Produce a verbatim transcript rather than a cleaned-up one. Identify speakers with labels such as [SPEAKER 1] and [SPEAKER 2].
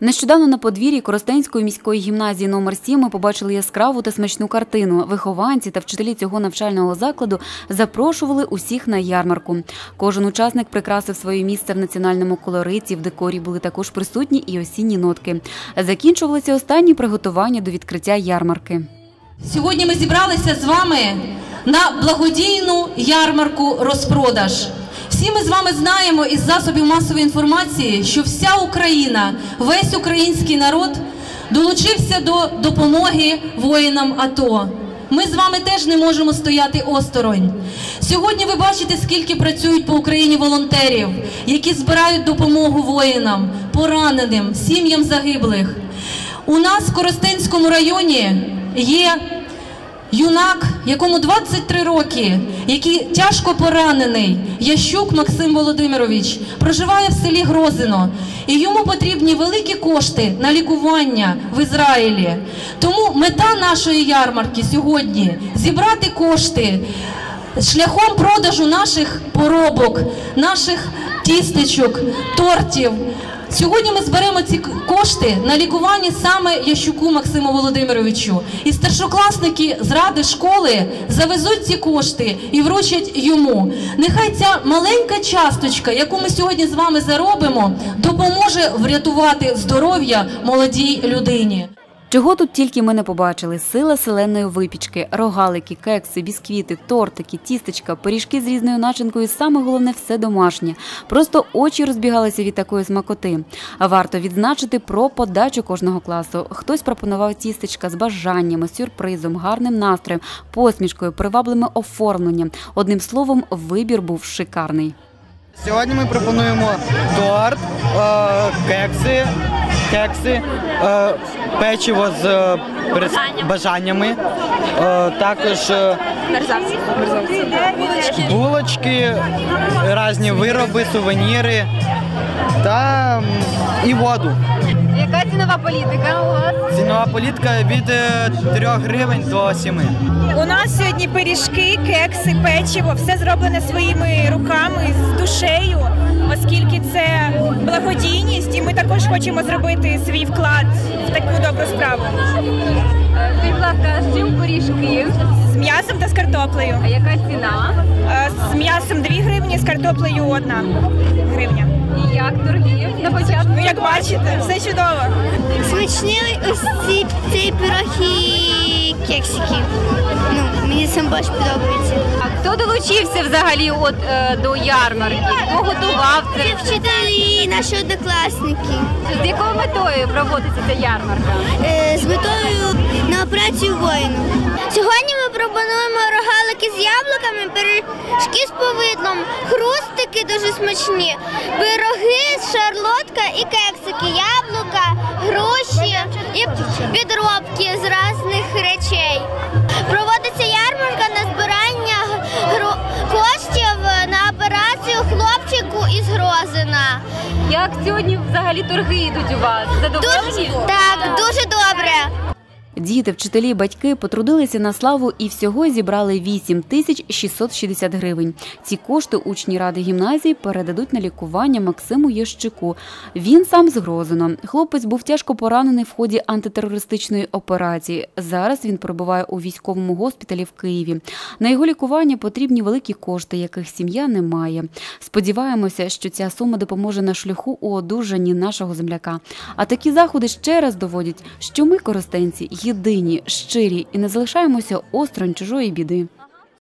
[SPEAKER 1] Нещодавно на подвір'ї Коростенської міської гімназії номер сім ми побачили яскраву та смачну картину. Вихованці та вчителі цього навчального закладу запрошували усіх на ярмарку. Кожен учасник прикрасив своє місце в національному колориті, в декорі були також присутні і осінні нотки. Закінчувалися останні приготування до відкриття ярмарки.
[SPEAKER 2] Сьогодні ми зібралися з вами на благодійну ярмарку «Розпродаж». Всі ми з вами знаємо із засобів масової інформації, що вся Україна, весь український народ долучився до допомоги воїнам АТО. Ми з вами теж не можемо стояти осторонь. Сьогодні ви бачите, скільки працюють по Україні волонтерів, які збирають допомогу воїнам, пораненим, сім'ям загиблих. У нас в Коростенському районі є юнак, якому двадцять три роки, який тяжко поранений, Ящук Максим Володимирович, проживає в селі Грозино. І йому потрібні великі кошти на лікування в Ізраїлі. Тому мета нашої ярмарки сьогодні – зібрати кошти шляхом продажу наших поробок, наших тістечок, тортів. Сьогодні ми зберемо ці кошти на лікування саме Ящуку Максиму Володимировичу. І старшокласники з ради школи завезуть ці кошти і вручать йому. Нехай ця маленька часточка, яку ми сьогодні з вами заробимо, допоможе врятувати здоров'я молодій людині.
[SPEAKER 1] Чого тут тільки ми не побачили – сила селенної випічки, рогалики, кекси, бісквіти, тортики, тістечка, пиріжки з різною начинкою, саме головне – все домашнє. Просто очі розбігалися від такої смакоти. А варто відзначити про подачу кожного класу. Хтось пропонував тістечка з бажаннями, сюрпризом, гарним настроєм, посмішкою, привабливим оформленням. Одним словом, вибір був шикарний.
[SPEAKER 3] Сьогодні ми пропонуємо торт, кекси, кекси, печиво з бажаннями, також булочки, різні вироби, сувеніри та і воду.
[SPEAKER 4] Яка цінова політика у вас?
[SPEAKER 3] Цінова політика від трьох гривень до семи.
[SPEAKER 5] У нас сьогодні пиріжки, кекси, печиво, все зроблене своїми руками, з душею, оскільки це благодійність, і ми також хочемо зробити свій вклад в таку добру справу.
[SPEAKER 4] Скажіть, будь ласка, з чим пиріжки?
[SPEAKER 5] З м'ясом та з картоплею.
[SPEAKER 4] А яка ціна?
[SPEAKER 5] З м'ясом дві гривні, з картоплею одна гривня.
[SPEAKER 4] І як торги на початку?
[SPEAKER 5] Ну, як бачите, все чудово.
[SPEAKER 6] Смачні ось ці, ці пироги і кексики. Ну, мені сам більше подобається.
[SPEAKER 4] А хто долучився взагалі от, е, до ярмарки? Хто готував це?
[SPEAKER 6] Це вчителі і наші однокласники.
[SPEAKER 4] З якою метою проводиться ця ярмарка?
[SPEAKER 6] Е, з метою на операцію воїну. Сьогодні ми пропонуємо рогалики з яблуками, пиріжки з повидлом, хрустики дуже смачні, пироги, шарлотка і кексики, яблука, груші і підробки з різних речей. Проводиться ярмарка на збирання коштів на операцію хлопчику із Грозина.
[SPEAKER 4] Як сьогодні взагалі торги йдуть у вас? Задоволені?
[SPEAKER 6] Так, дуже добре.
[SPEAKER 1] Діти, вчителі, батьки потрудилися на славу і всього зібрали вісім тисяч шістсот шістдесят гривень. Ці кошти учні ради гімназії передадуть на лікування Максиму Ящуку. Він сам з Грозино. Хлопець був тяжко поранений в ході антитерористичної операції. Зараз він перебуває у військовому госпіталі в Києві. На його лікування потрібні великі кошти, яких сім'я не має. Сподіваємося, що ця сума допоможе на шляху у одужанні нашого земляка. А такі заходи ще раз доводять, що ми, коростенці, єдині, щирі і не залишаємося осторонь чужої біди.